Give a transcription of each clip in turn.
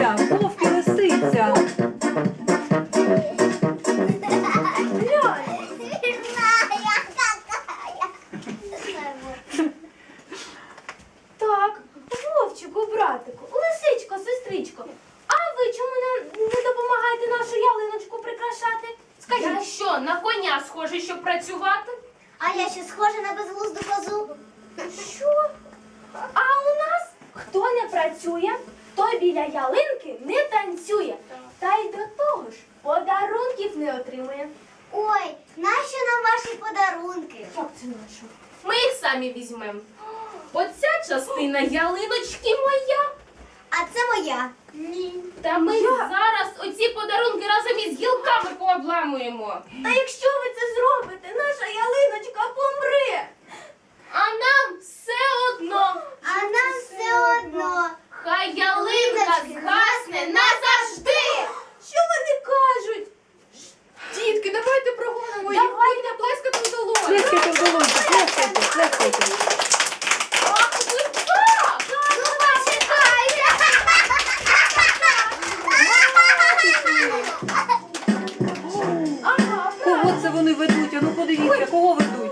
Ня-ня-ня, вовк і лисиця. Так, Вовчику, братику, лисичко, сестричко, а ви чому не допомагаєте нашу ялиночку прикрашати? Я Скажіть. що, на коня схожий, щоб працювати? А я ще схожа на безглузду козу. Що? А у нас хто не працює, той біля ялинки не танцює. Та й до того ж подарунків не отримує. Ой, нащо нам ваші подарунки? Як це нащо? Ми їх самі візьмемо. Оця частина ялиночки моя. А це моя. Ні. Та ми зараз оці подарунки разом із гілками пообламуємо. Та якщо ви це зробите, наша ялиночка помре. А нам все одно. А нам все одно. Хай ялинка згасне назавжди. Що вони кажуть? Дітки, давайте прогонимо їх. Давайте плескати в долоні. Плескайте в долоньку, плескайте, плескайте. Ах, ви так! Ну, почекайте. Ага, Кого це вони ведуть? А ну подивіться, кого ведуть?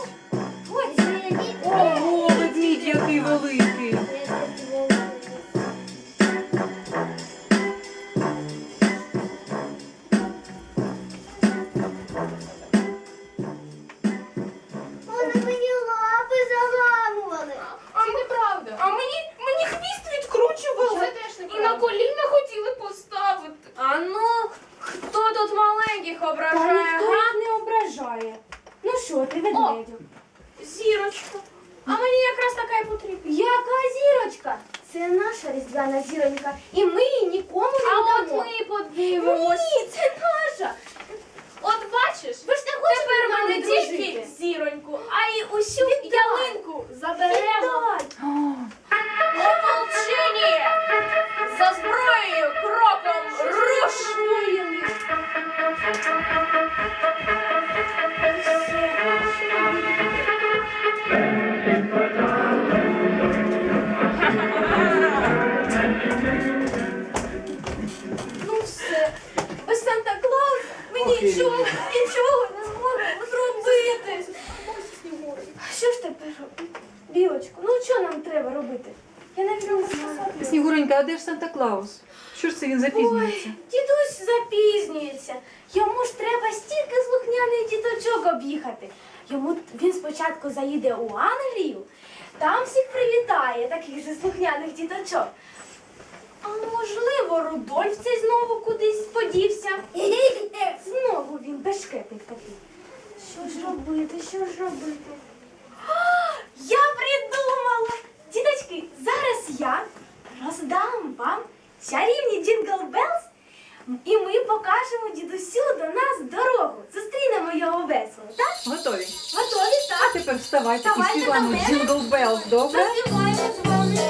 Ого, ведмідь який великий. Вони мені лапи заламували. Це неправда. А мені хвіст відкручували. Це теж І неправда. на коліна хотіли поставити. А ну, хто тут маленьких Та ображає? ніхто Га? Не ображає. Ну що ти, ведмедю? Зірочка. А мені якраз така і потрібна. Яка зірочка? Це наша різдвяна зіронька. І ми її нікому не А от дамо. ми подивимось. Ні, це наша. От бачиш, Ви ж не хочете тепер з ми нами не дружити? тільки зіроньку, а й усю ялинку заберемо. О, Ополчені! За зброєю кроком руш! Ну все. Без Санта-Клауса ми нічого не зможемо зробити. Що ж тепер робити? Білочко, ну що нам треба робити? Я навіть не можу сказати. Снігуренька, а де ж Санта-Клаус? Що ж це він запізнюється? Ой, дідусь запізнюється. Йому ж треба стільки слухняних діточок об'їхати. Він спочатку заїде у Англію, там всіх привітає, таких же слухняних діточок. А можливо, Рудольф цей знову кудись подівся. Знову він бешкетник такий. Що ж робити, що ж робити? А, я придумала! Діточки, зараз я роздам вам чарівні Джингл Белс, і ми покажемо дідусю до нас дорогу. Зустрінемо його весело, так? Готові? Готові, А так? тепер вставайте і Давайте співаємо до мене. Джингл Белс, добре? Заспіваємо з вами.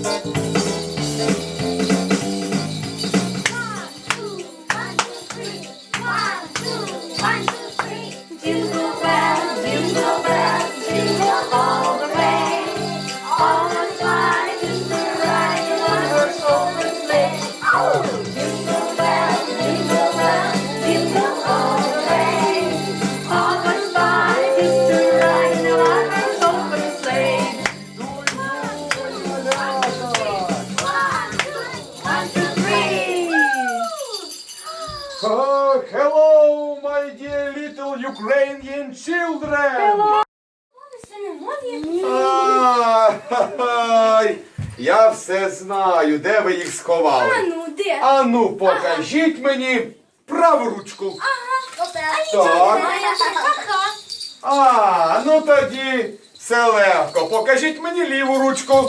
Jingle bells, jingle bells, jingle all the way. All the fun is to ride in one horse open sleigh. Oh! Jingle bells, jingle bells, jingle all the way. All the fun is to ride in one horse open sleigh. One, two, three. Hello, my dear little Ukrainian children! Ай, я все знаю, де ви їх сховали. А ну, де? А ну, покажіть мені праву ручку. Так. А, ну тоді все легко. Покажіть мені ліву ручку.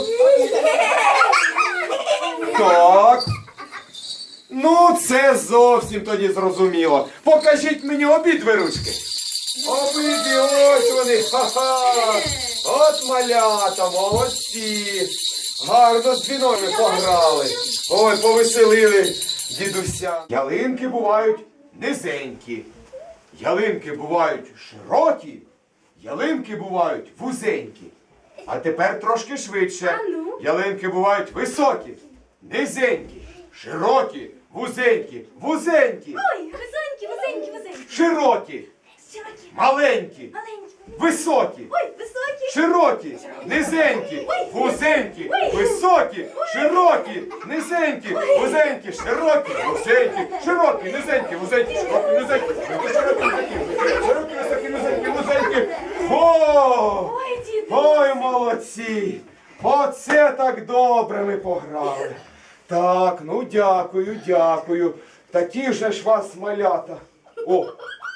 Так. Ну, це зовсім тоді зрозуміло. Покажіть мені обидві ручки. Обидві, ось вони. Ха-ха. От малята, молодці. Гарно з дзвінами пограли. Ой, повеселили дідуся. Ялинки бувають низенькі. Ялинки бувають широкі. Ялинки бувають вузенькі. А тепер трошки швидше. А ну? Ялинки бувають високі, низенькі, Широкі, вузенькі, вузенькі, Ой, висонькі, висенькі, висенькі. широкі, Широкі, маленькі, маленькі. високі, Ой, високі. широкі, низенькі, вузенькі, високі, широкі, низенькі, вузенькі, широкі, вузенькі, широкі, низенькі, вузенькі, широкі, низенькі, широкі, низенькі, широкі, високі, низенькі, вузенькі. О! Ой, діду. Ой, молодці! Оце так добре ми пограли. Так, ну дякую, дякую. Такі вже ж вас малята. О!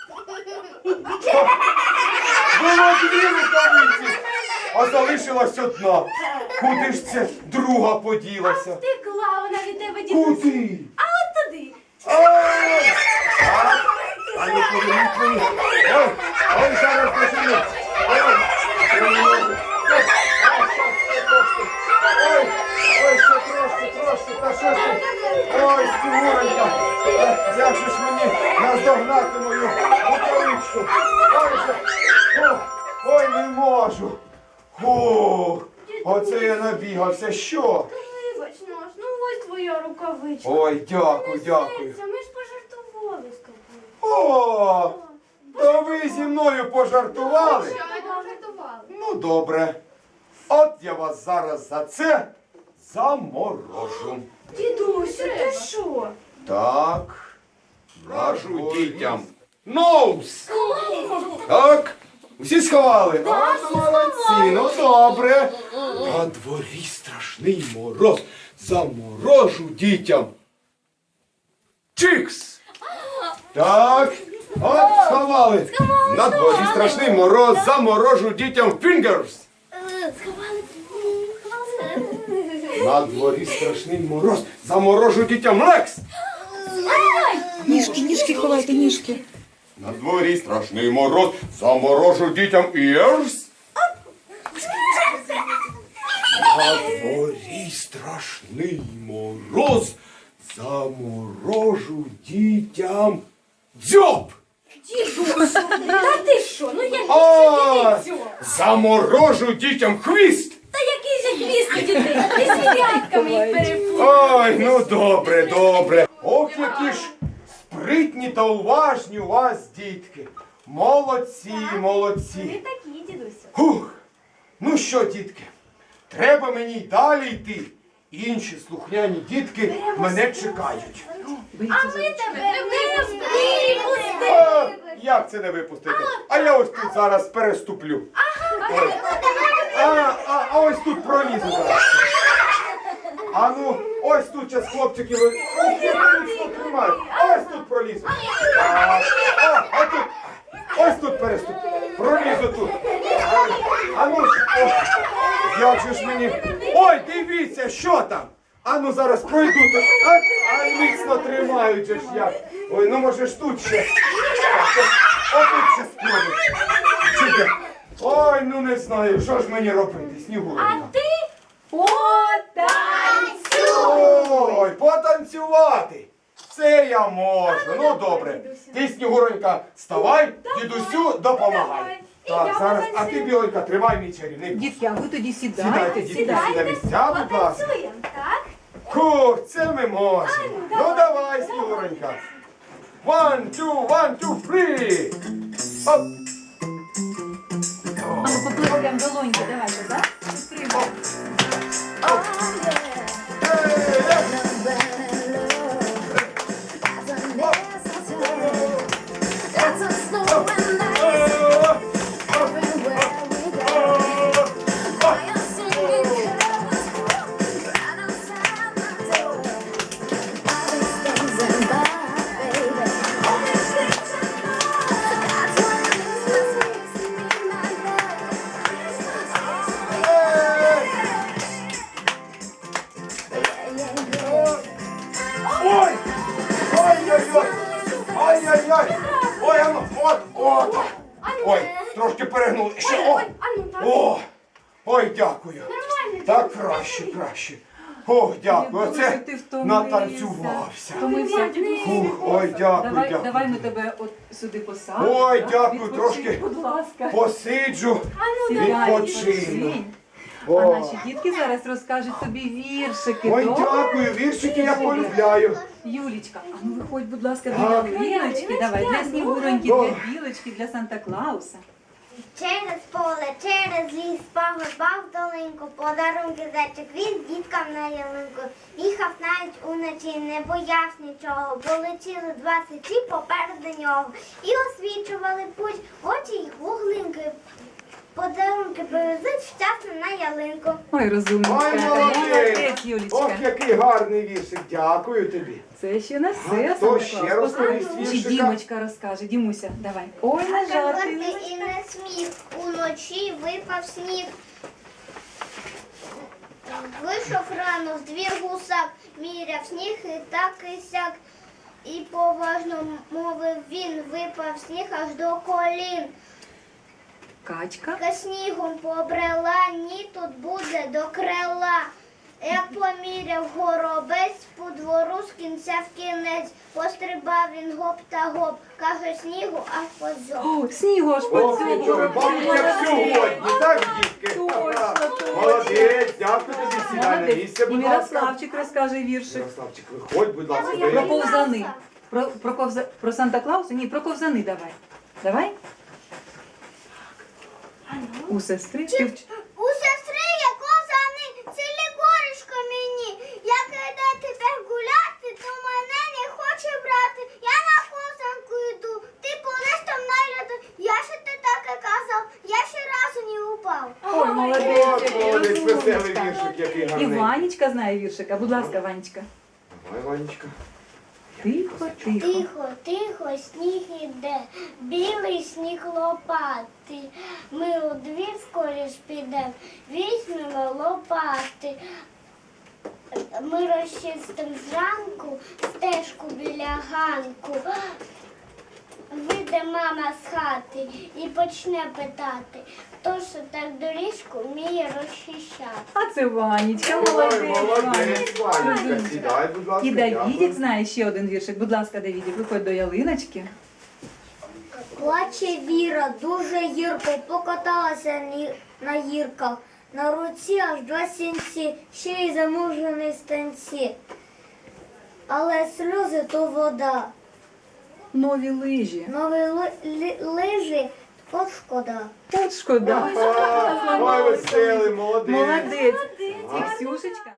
Було дві рукавиці, а залишилась одна. Куди ж це друга поділася? Втекла вона від тебе, дідусь. Куди? А от туди. Ай! А ну поверніть мені. Ой, ой, зараз пожену. Ой, я не можу. Ой, ой, ще трошки, та що ж ти? Ой, Снігуренька, як же ж мені наздогнати мою рукавичку? Ой, не можу. Фух, оце я набігався, що? Вибач, наш, ну ось твоя рукавичка. Ой, дякую, дякую. Ми ж пожартували з тобою. О, то ви зі мною пожартували? Пожартували. Ну, добре. От я вас зараз за це заморожу. Дідусю, ти що? Так, кажу дітям. Ноус! Так, всі сховали? От молодці, ну добре. На дворі страшний мороз. Заморожу дітям. Чикс! Так, от сховали. На дворі страшний мороз. Заморожу дітям фінгерс. Сховали. На дворі страшний мороз. Заморожу дітям лекс. Ніжки ховайте, ніжки. На дворі страшний мороз. Заморожу дітям ears. На дворі страшний мороз. Заморожу дітям дзьоб. Дідусю, та ти що? Ну який А, же дідицю? заморожу дітям хвіст. Та який же хвіст у дітей? Ти з п'ятками їх переплутав. Ой, ну добре, добре. Ох, які ж спритні та уважні у вас, дітки. Молодці, молодці. Ти такі, дідусю. Хух. Ну що, дітки, треба мені й далі йти. Інші слухняні дітки мене чекають. А ми тебе не випустимо. А, як це не випустити? А я ось тут зараз переступлю. Ой. А ось тут пролізу зараз. А ну, ось тут зараз хлопчики ви. Тримають. Ось тут пролізу. А тут. Ось тут переступлю. Пролізу тут. А ну, о, як же ж мені. Ой, дивіться, що там. А ну зараз пройду тут. А міцно тримають же ж як. Ой, ну може ж тут ще. Отут ще спробуй. Чекай. Ой, ну не знаю, що ж мені робити, А Снігуренька. ти потанцюй. Ой, потанцювати. Це я можу. Ну добре. Ти, Снігуронька, вставай, дідусю, допомагай. Так, зараз, а ти, Біленька, тримай мій чарівний. Дітки, а ви тоді Сідайте, сідайте. дітки, на місця, будь ласка. Потанцюємо, так? Хух, це ми можемо. Ну давай, Снігуронька. 1, 2, 1, 2, 3. Оп. А ну поплескаємо долоньки, давайте, так? Підтримуємо. Ой! Ой-ой-ой! Ой-ой-ой! Ой, а ну, от! Ой, трошки перегнули. Ще, о! А ну так. О! Ой, дякую. Нормально. Так дідусю. краще, краще. О, дякую. Як Оце дуже ти втомився. натанцювався. Втомився. Фух, ой, дякую, Давай, дякую. давай ми тебе от сюди посадимо. Ой, так? дякую, Відпочинь, трошки. будь ласка. Посиджу. А ну Сідай, Відпочину. відпочинь. А О. наші дітки зараз розкажуть тобі віршики. Ой, добре? дякую, віршики я полюбляю. Юлічка, а ну виходь, будь ласка, до Так. ялиночки. Давай для Снігуроньки, О. для Білочки, для Санта-Клауса. Через поле, через ліс, погребав долинку, подарунки зайчик віз діткам на ялинку. Їхав навіть уночі, не боявся нічого, бо летіли 2 сичі попереду нього. І освічували путь, очі й гуглинки. Подарунки привезуть щасно на ялинку. Ой, розумничка. Ой, молодець! Молодець, Ох, Юлічка. який гарний віршик, дякую тобі. Це ще не А все, хто ще Санта-Клаус. розповість Чи віршика? Дімочка розкаже. Дімуся, давай. Ой, на жаль, ти не і не сміх, уночі випав сніг. Вийшов рано з двір гусак, міряв сніг і так і сяк. І поважно мовив він, випав сніг аж до колін. Качка. Ка снігом побрела, ні тут буде до крила. Як поміряв горобець, по двору з кінця в кінець. Пострибав він гоп та гоп, каже снігу аж позьоб. О, снігу аж Ох, нічого, мабуть, як сьогодні, так, дітки? Точно, точно. Молодець, дякую тобі, сідай на місце, І будь ласка. Мирославчик розкаже віршик. Мирославчик, виходь, будь ласка. Про бери. ковзани. Про Санта-Клауса? Ні, про ковзани давай. Давай. У сестри. У сестри є ковзани, цілі горішко мені. Як іде тепер гуляти, то мене не хоче брати. Я на ковзанку йду, ти полез там на льоду. Я ще ти таке казав, я ще разу не упав. Ой, молодець, От, який молодець, веселий розумничка. віршик, який І гарний. Ванечка знає віршика. Будь ласка, Ванечка. Давай, Ванечка. Тихо, тихо. Тихо, тихо, сніг іде, білий сніг лопатий. Ми у двір скоріш підемо, візьмемо лопати. Ми розчистимо зранку стежку біля ганку. Вийде мама з хати і почне питати, хто ж так доріжку вміє розчищати. А це Ванечка, Ой, молодець. молодець, Ванечка, Розумничка. сідай, будь ласка. І Давідік дякую. знає ще один віршик. Будь ласка, Давідік, виходь до ялиночки. Плаче Віра, дуже гірко, покаталася на гірках. На руці аж 2 сінці, ще й замужений станці. Але сльози то вода, Нові лижі. нові лижі, от шкода. От шкода. Ой, веселий, молодець. Молодець. І Ксюшечка.